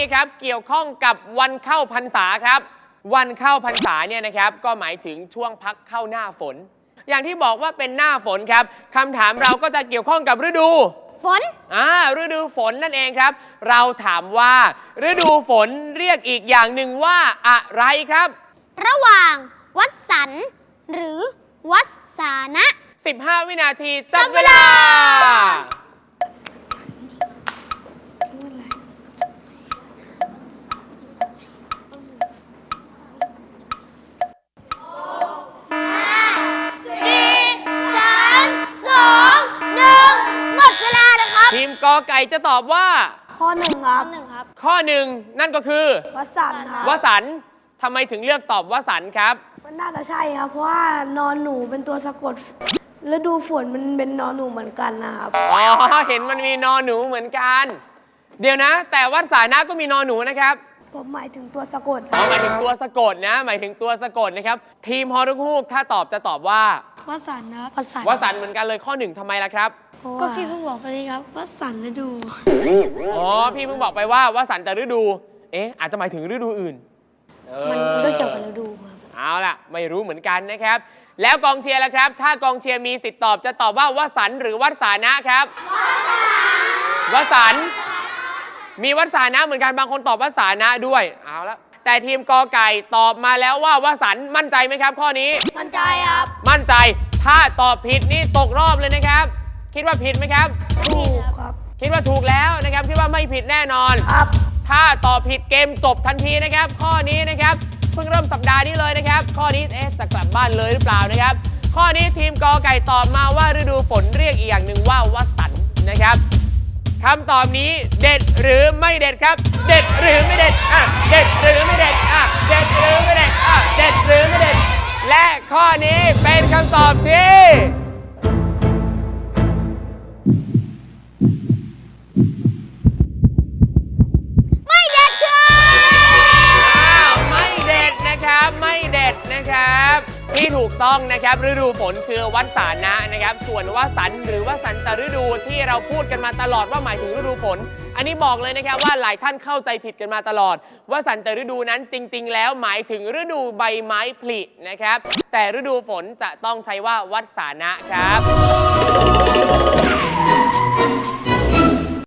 ครับเกี่ยวข้องกับวันเข้าพรรษาครับวันเข้าพรรษาเนี่ยนะครับก็หมายถึงช่วงพักเข้าหน้าฝนอย่างที่บอกว่าเป็นหน้าฝนครับคำถามเราก็จะเกี่ยวข้องกับฤดูฝนฤดูฝนนั่นเองครับเราถามว่าฤดูฝนเรียกอีกอย่างหนึ่งว่าอะไรครับระหว่างวัสันต์หรือวัสานะ 15 วินาทีจับเวลาทีมกอไก่จะตอบว่าข้อ 1 ครับข้อ 1นั่นก็คือวสันต์วสันต์ทำไมถึงเลือกตอบวสันต์ครับมันน่าจะใช่ครับเพราะว่านอนหนูเป็นตัวสะกดฤดูฝนมันเป็นนอนหนูเหมือนกันนะครับอ๋อเห็นมันมีนอนหนูเหมือนกันเดี๋ยวนะแต่วัสานะก็มีนอนหนูนะครับผมหมายถึงตัวสะกดหมายถึงตัวสะกดนะหมายถึงตัวสะกดนะครับทีมฮอรุฮูกถ้าตอบจะตอบว่าวสันต์ครับวสันต์เหมือนกันเลยข้อ 1ทำไมล่ะครับก็พี่เพิ่งบอกไปเลยครับวสันต์ฤดูอ๋อพี่เพิ่งบอกไปว่าวสันต์แต่ฤดูอาจจะหมายถึงฤดูอื่นมันก็เกี่ยวกับฤดูครับเอาล่ะไม่รู้เหมือนกันนะครับแล้วกองเชียร์ล่ะครับถ้ากองเชียร์มีสิทธิ์ตอบจะตอบว่าวสันต์หรือวัสานะครับวสันต์มีวัสานะเหมือนกันบางคนตอบวัสานะด้วยเอาละแต่ทีมกอไก่ตอบมาแล้วว่าวสันต์มั่นใจไหมครับข้อนี้มั่นใจครับมั่นใจถ้าตอบผิดนี่ตกรอบเลยนะครับคิดว่าผิดไหมครับถูกครับคิดว่าถูกแล้วนะครับคิดว่าไม่ผิดแน่นอนครับถ้าตอบผิดเกมจบทันทีนะครับข้อนี้นะครับเพิ่งเริ่มสัปดาห์นี้เลยนะครับข้อนี้จะกลับบ้านเลยหรือเปล่านะครับข้อนี้ทีมกอไก่ตอบมาว่าฤดูฝนเรียกอีกอย่างหนึ่งว่าวสันต์นะครับคำตอบนี้เด็ดหรือไม่เด็ดครับเด็ดหรือไม่เด็ดเด็ดหรือไม่เด็ดเด็ดหรือไม่เด็ดเด็ดหรือไม่เด็ดและข้อนี้เป็นคำตอบที่ไม่เด็ดไม่เด็ดนะครับไม่เด็ดนะครับที่ถูกต้องนะครับฤดูฝนคือวัสานะนะครับส่วนวสันต์หรือวสันตฤดูที่เราพูดกันมาตลอดว่าหมายถึงฤดูฝนอันนี้บอกเลยนะครับว่าหลายท่านเข้าใจผิดกันมาตลอดวสันตฤดูนั้นจริงๆแล้วหมายถึงฤดูใบไม้ผลินะครับแต่ฤดูฝนจะต้องใช้ว่าวัสานะครับ